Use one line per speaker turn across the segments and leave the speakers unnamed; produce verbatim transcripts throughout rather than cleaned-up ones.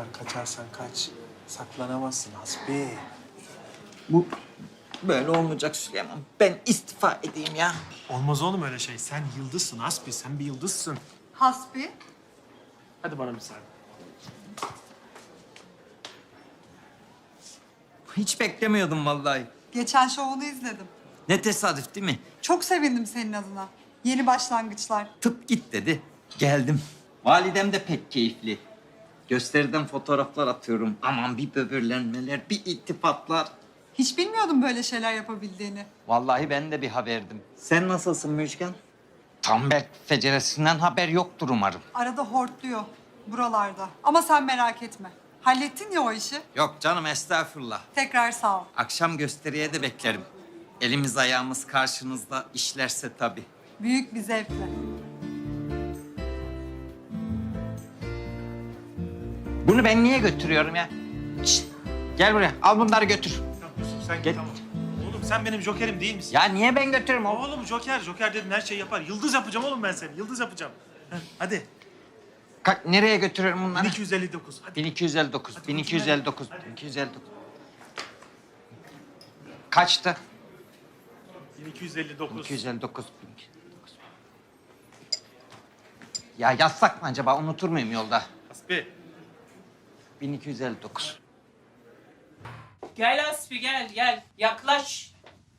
Benden kaçarsan kaç. Saklanamazsın Hasbi.
Bu böyle olmayacak Süleyman. Ben istifa edeyim ya.
Olmaz oğlum öyle şey. Sen yıldızsın Hasbi. Sen bir yıldızsın.
Hasbi.
Hadi bana müsaade.
Hiç beklemiyordum vallahi.
Geçen şovunu izledim.
Ne tesadüf değil mi?
Çok sevindim senin adına. Yeni başlangıçlar.
Tıp git dedi. Geldim. Validem de pek keyifli. Gösteriden fotoğraflar atıyorum. Aman bir böbürlenmeler, bir iltifatlar.
Hiç bilmiyordum böyle şeyler yapabildiğini.
Vallahi ben de bir haberdim. Sen nasılsın Müjgan? Tam Berk feceresinden haber yoktur umarım.
Arada hortluyor buralarda. Ama sen merak etme. Hallettin ya o işi.
Yok canım estağfurullah.
Tekrar sağ ol.
Akşam gösteriye de beklerim. Elimiz ayağımız karşınızda işlerse tabii.
Büyük bir zevkle.
Bunu ben niye götürüyorum ya? Şişt, gel buraya. Al bunları götür.
Tamam Yusuf sen
Gel.
git tamam. Oğlum sen benim jokerim değil misin?
Ya niye ben götürürüm oğlum?
Oğlum joker, joker dedin her şeyi yapar. Yıldız yapacağım oğlum ben seni. Yıldız yapacağım. Heh, hadi.
Ka- nereye götürüyorum bunları?
bin iki yüz elli dokuz. Hadi.
bin iki yüz elli dokuz,
Hadi
bin iki yüz elli dokuz,
hadi.
bin iki yüz elli dokuz. Kaçtı?
bin iki yüz elli dokuz.
bin iki yüz elli dokuz, bin iki yüz elli dokuz. Ya yazsak mı acaba? Unutur muyum yolda?
Hasbi.
bin iki yüz elli dokuz.
Gel Aspi gel gel. Yaklaş.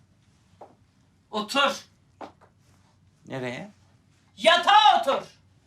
Otur.
Nereye?
Yatağa otur.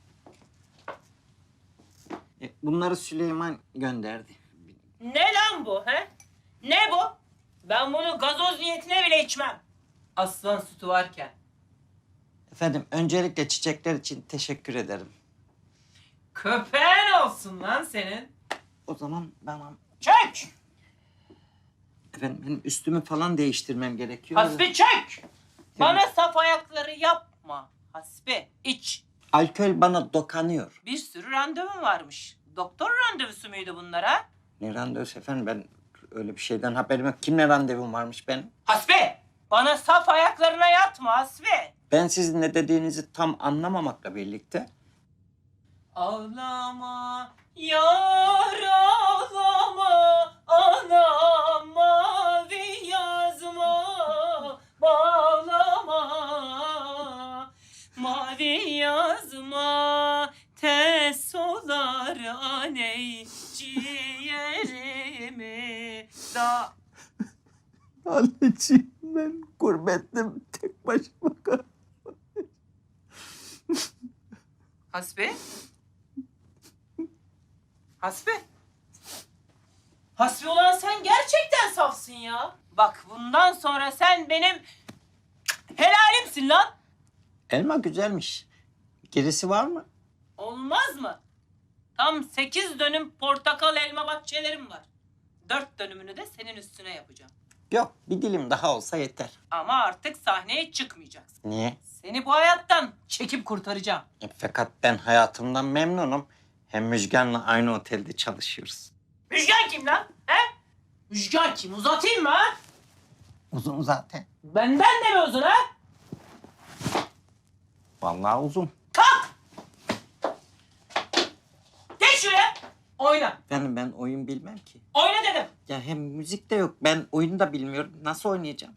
E, bunları Süleyman gönderdi.
Ne lan bu he? Ne bu? Ben bunu gazoz niyetine bile içmem. Aslan sütü varken.
Efendim, öncelikle çiçekler için teşekkür ederim.
Köpeğin olsun lan senin.
O zaman bana...
Çök.
Efendim, benim üstümü falan değiştirmem gerekiyor.
Hasbi çök. Bana saf ayakları yapma. Hasbi iç.
Alkol bana dokanıyor.
Bir sürü randevum varmış. Doktor randevusu muydu bunlar ha?
Ne randevusu efendim? Ben öyle bir şeyden haberim yok. Kimle randevum varmış benim?
Hasbi. Bana saf ayaklarına yatma Hasbi.
Ben sizin ne dediğinizi tam anlamamakla birlikte...
Ağlama yar ağlama, anam mavi yazma, bağlama mavi yazma, tez solar aney ciğerimi da.
Anneciğim ben gurbettim tek başıma kaldım.
Hasbi? Hasbi? Hasbi olan sen gerçekten safsın ya. Bak bundan sonra sen benim helalimsin lan.
Elma güzelmiş. Gerisi var mı?
Olmaz mı? Tam sekiz dönüm portakal elma bahçelerim var. Dört dönümünü de senin üstüne yapacağım.
Yok, bir dilim daha olsa yeter.
Ama artık sahneye çıkmayacaksın.
Niye?
Seni bu hayattan çekip kurtaracağım.
E, fakat ben hayatımdan memnunum. Hem Müjgan'la aynı otelde çalışıyoruz.
Müjgan kim lan? He? Müjgan kim? Uzatayım mı ha?
Uzun zaten.
Benden de mi uzun ha?
Vallahi uzun.
Kalk! Geç şuraya. Oyna.
Efendim ben oyun bilmem ki.
Oyna dedim.
Ya hem müzik de yok. Ben oyunu da bilmiyorum. Nasıl oynayacağım?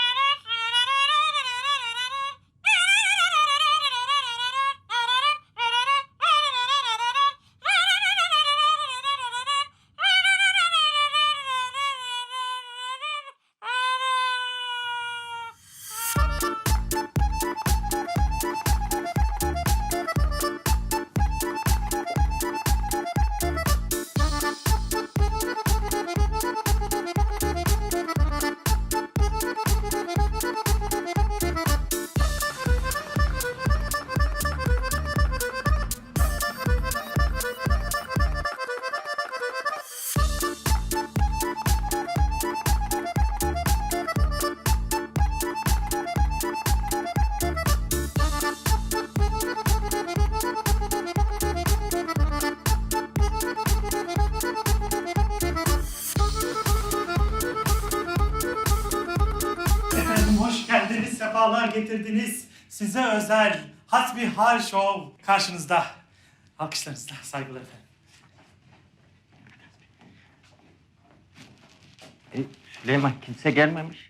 Efendim hoş geldiniz, sefalar getirdiniz. Size özel Hasbihal Show karşınızda. Alkışlarınızla saygılar efendim.
E, Süleyman kimse gelmemiş.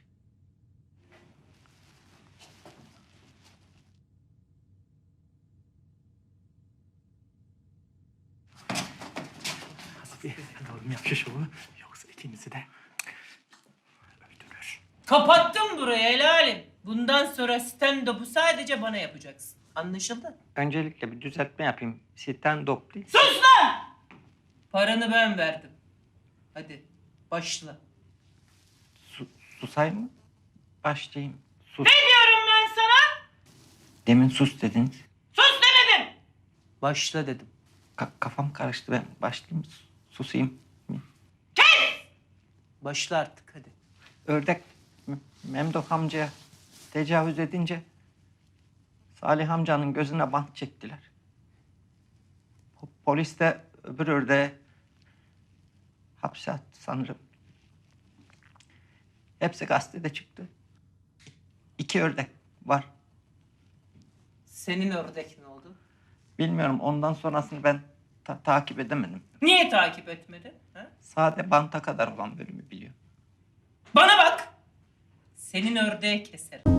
Hasbi oğlum yap şu şovu. Yoksa ikimizi de öldürür.
Kapattım burayı helalim. Bundan sonra stand-up'u sadece bana yapacaksın. Anlaşıldı?
Öncelikle bir düzeltme yapayım. Stand-up değil.
Sus lan! Paranı ben verdim. Hadi başla.
Su, susayım mı? Başlayayım. Sus.
Ne diyorum ben sana?
Demin sus dediniz.
Sus demedim. Başla dedim.
Ka- kafam karıştı, ben başlayayım mı? Susayım mı?
Başla artık hadi.
Ördek M- Memduh amcaya tecavüz edince Salih amcanın gözüne bant çektiler. Po- Polis de öbür ördeğe hapse attı sanırım. Hepsi gazetede çıktı. İki ördek var.
Senin ördek ne oldu?
Bilmiyorum, ondan sonrasını ben ta- takip edemedim.
Niye takip etmedin? Ha?
Sade banta kadar olan bölümü biliyorum.
Bana bak. Senin ördeği keserim.